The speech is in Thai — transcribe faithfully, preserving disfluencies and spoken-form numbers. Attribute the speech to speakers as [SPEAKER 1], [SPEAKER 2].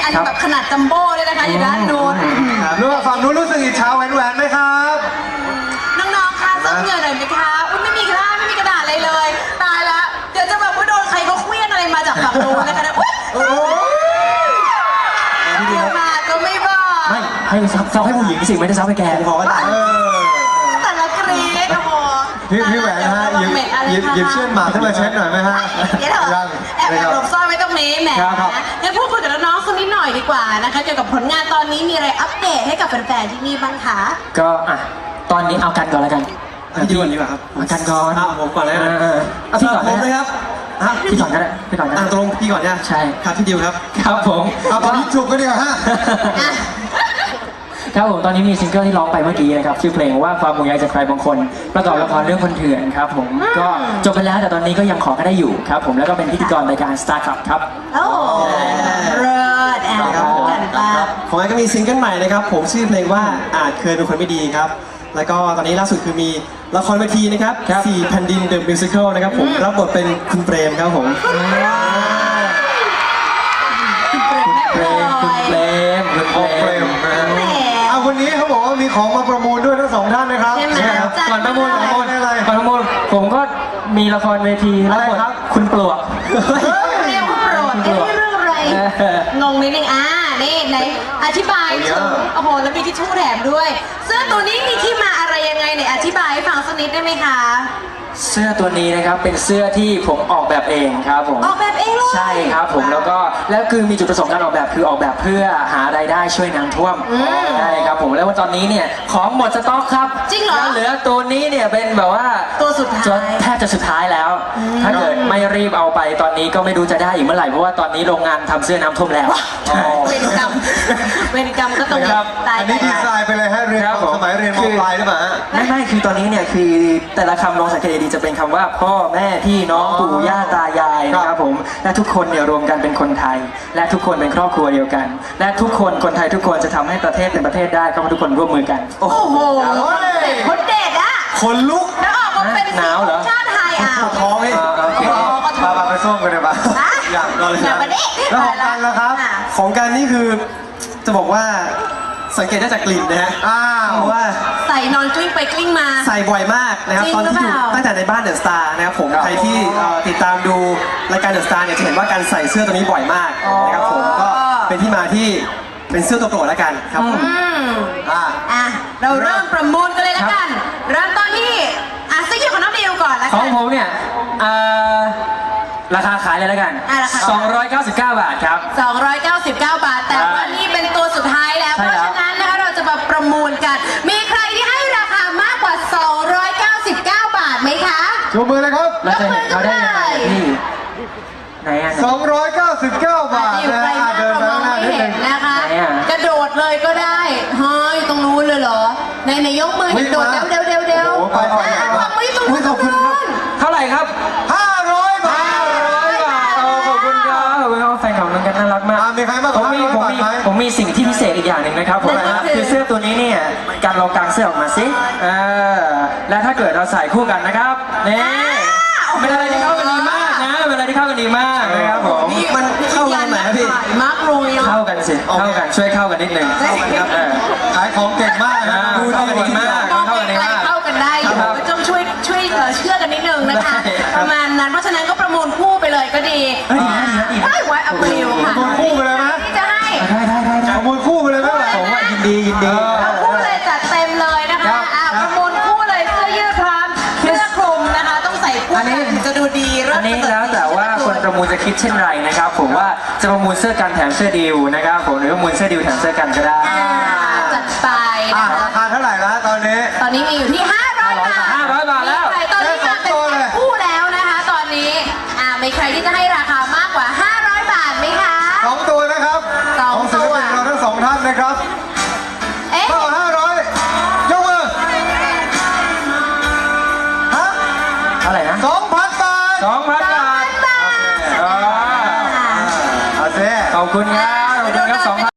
[SPEAKER 1] อันแบบขนาดจัมโบ้เลยนะคะอยู่ด้านนู้น
[SPEAKER 2] รู้ว่าฝั่งนู้นรู้สึกอิจฉาแหวนแหวนไหมครับ
[SPEAKER 1] น้องๆคะซับเหงื่อหน่อยไหมคะอุ้ยไม่มีกระดาษไม่มีกระดาษอะไรเลยตายละเดี๋ยวจะแบบว่าโดนใครเขาเคลี้ยงอะไรมาจากฝั่งนู้นนะคะอุ้ยเดี๋ยวมาก็ไม่บอก
[SPEAKER 3] ไม่ให้ซับซับให้ผู้หญิงสิไม่ได้ซับให้แกขอได้
[SPEAKER 1] แต่ละกรี๊ดโอ้โห
[SPEAKER 2] พี่พี่แหวนฮะหยิบหยิบหยิบเชือกหมากขึ้นมาเช็ดหน่อยไหมฮะ
[SPEAKER 1] เดี๋ยวเถอะแอบแอบหลบซ่อนไว้ตรงนี้แหมงั้นพูดคุยกับน้องๆสักนิดหน่อยดีกว่านะคะเกี่ยวกับผลงานตอนนี้มีอะไรอัปเดตให้กับแฟนๆที่นี่บ้างคะ
[SPEAKER 3] ก็อ่ะตอนนี้เอากันก่อนแล้วกัน
[SPEAKER 2] พี่ก่อนดีกว่าครับ
[SPEAKER 3] เอากันก่อน
[SPEAKER 2] เอาผมก่อนเลย
[SPEAKER 3] เอ
[SPEAKER 2] นะ
[SPEAKER 3] อเออเอาพี่ก่อน
[SPEAKER 2] ผมเลย
[SPEAKER 3] นะครับ
[SPEAKER 2] ฮะ
[SPEAKER 3] พี่ก่อนก็ได้พี่ก่อนก็
[SPEAKER 2] อ่า
[SPEAKER 3] ได้
[SPEAKER 2] ตรงพี่ก่อนเนี่ย
[SPEAKER 3] ใช่
[SPEAKER 2] ครับพี่ดิวครับ
[SPEAKER 3] ครับผม
[SPEAKER 2] เอาผมยิบฉุกก็ดีกว่าฮะ
[SPEAKER 1] อ่ะ
[SPEAKER 3] ครับผมตอนนี้มีซิงเกิลที่ร้องไปเมื่อกี้นะครับชื่อเพลงว่าความห่วงใยจากใครบางคนประกอบละครเรื่องคนเถื่อนครับผมก็จบไปแล้วแต่ตอนนี้ก็ยังขอก็ได้อยู่ครับผมแล้วก็เป็นพิธีกรรายการ Star Club ครับ
[SPEAKER 1] โอ้เลิศแอบกันป้า
[SPEAKER 2] ของไอ้ก็มีซิงเกิลใหม่นะครับผมชื่อเพลงว่าอาจเคยเป็นคนไม่ดีครับแล้วก็ตอนนี้ล่าสุดคือมีละครเวทีนะครับสี่แผ่นดิน The Musical นะครับผมรับบทเป็นคุณเปรมครับผม
[SPEAKER 3] เพลงคุณเพลงคุณเพลง
[SPEAKER 2] เอาวันนี้เขาบอกว่ามีของมาประมูลด้วยทั้งสองท่านนะครับ
[SPEAKER 1] ใช่ไหม
[SPEAKER 3] ก่อนประมูลก่อนประมูล
[SPEAKER 2] อะไร
[SPEAKER 3] ก่อนประมูลผมก็มีละครเวทีรับบทคุณปลวก
[SPEAKER 1] เรียกว่าโปรดเอ๊ะเรื่องอะไรงงนิดนึงอ่านี่ไหนอธิบายถึงโอ้โหแล้วมีทิชชู่แถมด้วยเสื้อตัวนี้มีที่มาอะไรยังไงไหนอธิบายให้ฟังสักนิดได้ไหมคะ
[SPEAKER 3] เสื้อตัวนี้นะครับเป็นเสื้อที่ผมออกแบบเองครับผม
[SPEAKER 1] ออกแบบเองเลย
[SPEAKER 3] ใช่ครับผมแล้วก็แล้วคือมีจุดประสงค์การออกแบบคือออกแบบเพื่อหารายได้ช่วยน้ำท่วมใช่ครับผมแล้วตอนนี้เนี่ยของหมดสต็อกครับ
[SPEAKER 1] จริงเหรอ
[SPEAKER 3] แล้วเหลือตัวนี้เนี่ยเป็นแบบว่า
[SPEAKER 1] ตัวสุดท้าย
[SPEAKER 3] จนแทบจะสุดท้ายแล้ว ถ้าเกิดไม่รีบเอาไปตอนนี้ก็ไม่รู้จะได้อีกเมื่อไหร่เพราะว่าตอนนี้โรงงานทำเสื้อน้ำท่วมแล้วใช่
[SPEAKER 1] เวรกรรมเวรกรรมก็ต้อง
[SPEAKER 3] ครับ
[SPEAKER 1] ตาย
[SPEAKER 2] อัน
[SPEAKER 1] ไป
[SPEAKER 2] นี้ดีไซน์ไปเลยฮะเรียน
[SPEAKER 3] ครับผม
[SPEAKER 2] สมัยเรียนมปลายหรือเปล่าฮะ
[SPEAKER 3] ไม่ไม่คือตอนนี้เนี่ยคือแต่ละคำลองสังเกตดีๆจะเป็นคำว่าพ่อแม่พี่น้องปู่ย่าตายายนะครับผมและทุกคนเนี่ยรวมกันเป็นคนไทย และทุกคนเป็นครอบครัวเดียวกัน และทุกคนคนไทยทุกคนจะทำให้ประเทศเป็นประเทศได้ก็เพราะทุกคนร่วมมือกัน
[SPEAKER 1] โอ้โหคนเด็ดอะ
[SPEAKER 2] คนลุก
[SPEAKER 1] แล้วออกมาเป็น
[SPEAKER 3] หนาวเหรอ
[SPEAKER 1] ชาติไทยอ่ะ
[SPEAKER 2] ท้องให้
[SPEAKER 3] อ่าโอเค
[SPEAKER 2] มามาไปส้มกันเลยปะ
[SPEAKER 1] ฮะ
[SPEAKER 2] อยากรอเลย
[SPEAKER 1] อย่ามาดิ
[SPEAKER 2] แล้วของกันล่ะครับ
[SPEAKER 1] อ่ะ
[SPEAKER 2] ของกันนี่คือจะบอกว่าสังเกตได้จากกลิ่นนะฮะอ้าวว่า
[SPEAKER 1] ใส่นอนกลิ้งไปกลิ้งมา
[SPEAKER 2] ใส่บ่อยมากนะครับ
[SPEAKER 1] จริง
[SPEAKER 2] ตอนที่อยู่
[SPEAKER 1] หรือเปล่า
[SPEAKER 2] ตั้งแต่ในบ้านเดอะสตาร์นะครับผม
[SPEAKER 3] ครับ
[SPEAKER 2] ใครที่เอ่อติดตามดูรายการเดอะสตาร์เนี่ยจะเห็นว่าการใส่เสื้อตัวนี้บ่อยมากนะครับผมก็เป็นที่มาที่เป็นเสื้อตัวโปรดแล้วกันครับผม
[SPEAKER 1] อืม
[SPEAKER 2] อ่า
[SPEAKER 1] อ่ะเราเริ่มประมูลกันเลยละกัน เริ่มต้นที่อ่ะเสื้อยืดของน้องดิวก่อนละ
[SPEAKER 3] ข
[SPEAKER 1] กั
[SPEAKER 3] อง
[SPEAKER 1] น
[SPEAKER 3] ผมเนี่ยเอ่อราคาขายเลยแล้วกัน
[SPEAKER 1] อ่ะราคา
[SPEAKER 3] สองร้อยเก้าสิบเก้าบาทครับ
[SPEAKER 1] สองร้อยเก้าสิบเก้า บาท แต่ว่านี่เป็นตัวสุดท้ายแล้ว
[SPEAKER 3] ใช่
[SPEAKER 1] เพราะ
[SPEAKER 3] แล้ว
[SPEAKER 1] ฉะนั้นนะคะเราจะมาประมูลกัน มีใครที่ให้ราคามากกว่า สองร้อยเก้าสิบเก้า บาทไหมคะ
[SPEAKER 2] ชูมือเลยครับ
[SPEAKER 3] เราจะเห็นเขาได้ยังไงอะพี่ไหนอ่ะ
[SPEAKER 2] สองร้อยเก้าสิบเก้า บาท
[SPEAKER 1] ที่อยู่
[SPEAKER 2] นะ
[SPEAKER 1] ไกล
[SPEAKER 2] ฮะ
[SPEAKER 1] มาก
[SPEAKER 2] เดิน
[SPEAKER 1] เรา
[SPEAKER 2] ไป
[SPEAKER 1] มอง
[SPEAKER 2] ข้างหน้า
[SPEAKER 1] ไม่
[SPEAKER 2] นิด
[SPEAKER 1] เห็
[SPEAKER 2] นึ
[SPEAKER 1] น
[SPEAKER 2] ง
[SPEAKER 1] นะคะ
[SPEAKER 3] ไหนอะ
[SPEAKER 1] กระโดดเลยก็ได้เฮ้ยตรงนู้นเลยเหรอในในยกมือ
[SPEAKER 2] วิ่ง
[SPEAKER 1] โดด
[SPEAKER 2] มา
[SPEAKER 1] เร็วเร็วเร็ว
[SPEAKER 2] โอ้โหไปไป
[SPEAKER 1] อ่ะ
[SPEAKER 2] ไป
[SPEAKER 1] วางมือตรง
[SPEAKER 2] อุ๊ยขอบคุณครับ
[SPEAKER 3] เท่าไหร่ครับ
[SPEAKER 2] ห้าร้อยบาท
[SPEAKER 3] ห้าร้อยบาทโอ้ขอบคุณครับขอบคุณครับแฟนคลับน้องกันน่ารักมาก
[SPEAKER 2] อ่ามีใครมากก
[SPEAKER 3] ผ
[SPEAKER 2] ว่าม
[SPEAKER 3] มี
[SPEAKER 2] ห้าร้
[SPEAKER 3] ผ
[SPEAKER 2] อย
[SPEAKER 3] ม
[SPEAKER 2] บาท
[SPEAKER 3] มี
[SPEAKER 2] ไหม
[SPEAKER 3] ผมมีสิ่งที่พิเศษอีกอย่างหนึ่งนะครับผมคือเสื้อตัวนี้เนี่ยการลองกางเสื้อออกมาสิเออและถ้าเกิดเราใส่คู่กันนะครับนี่เป็นอะไรที่เข้ากันดีมากนะเป็นอะไรที่เข้ากันดีมากนะครับผม
[SPEAKER 2] มันเข้ากันไหนครับพี่
[SPEAKER 1] มากเลยเนาะ
[SPEAKER 3] เข้ากันสิเข้ากันช่วยเข้ากันนิดนึง
[SPEAKER 1] เข้ากันครับ
[SPEAKER 3] เออ
[SPEAKER 2] ขายของเก่งมากนะ
[SPEAKER 3] อ่า
[SPEAKER 2] ดู
[SPEAKER 3] เข้ากันดีมาก
[SPEAKER 1] มองไกลๆเข้ากันได้อยู่
[SPEAKER 3] ครับ
[SPEAKER 1] ก็ต้องช่วยช่วยเอ่อเชื่อกันนิดนึงนะคะ
[SPEAKER 3] ได้ครับ
[SPEAKER 1] ประมาณนั้นเพราะฉะนั้นก็ประมูลคู่ไปเลยก็ดี
[SPEAKER 3] เฮ้ยดีนะดีนะดีนะ
[SPEAKER 1] ได้ไว้อัพริวค่ะ
[SPEAKER 2] ประมูลคู่ไปเลยไหม
[SPEAKER 1] ที่จะให้
[SPEAKER 3] ได้ได้ได้ได้
[SPEAKER 2] ขโมยคู่ไปเลยไหมวะ
[SPEAKER 3] ผมว่ายินดียินดี
[SPEAKER 1] เอาคู่เลยจัดเต็มเลยนะ
[SPEAKER 3] ครั
[SPEAKER 1] คะ
[SPEAKER 3] บ
[SPEAKER 1] อ่าประมูลคู่เลยเสื้อยืดพร้อมเสื้อคลุมนะคะ ต้องใส่คู่
[SPEAKER 3] อันนี้
[SPEAKER 1] กันถึงจะดูดีเริ่
[SPEAKER 3] อั
[SPEAKER 1] ม
[SPEAKER 3] นนี้แล้วแต่ว่าคนประมูลจะคิดเช่นไรนะครับ ผมว่าจะประมูลเสื้อกันแถมเสื้อดิวนะครับผมหรือประมูลเสื้อดิวแถมเสื้อกันก็ได้
[SPEAKER 1] อ่าจัดไป
[SPEAKER 2] อ่ะ
[SPEAKER 1] นะคะ
[SPEAKER 2] ราคาเท่าไหร่แล้วตอนนี้
[SPEAKER 1] ตอนนี้มีอยู่ที่ห้าร้อยบาท
[SPEAKER 3] ห้าร้อยบาทแล้ว
[SPEAKER 1] มีใครตอนนี้มาเป็นแพ็คคู่แล้วนะคะ ตอนนี้อ่ามีใครที่จะให้ราคามากกว่าห้าร้อยบาทไหมคะ
[SPEAKER 2] สองตัวนะครับ
[SPEAKER 1] สอง
[SPEAKER 2] ของศิลปิน
[SPEAKER 1] ตัว
[SPEAKER 2] เราทั้งสองท่านนะครับ
[SPEAKER 1] เอ๊ะ
[SPEAKER 2] เท่าห้าร้อยยกมือฮะ
[SPEAKER 3] เท่าไหร่นะ
[SPEAKER 2] สองพันบาท
[SPEAKER 3] สองพันบาท
[SPEAKER 1] บาท
[SPEAKER 3] อ่า
[SPEAKER 2] เอาเซ่
[SPEAKER 3] ขอบคุณครับขอบคุณครับสองพัน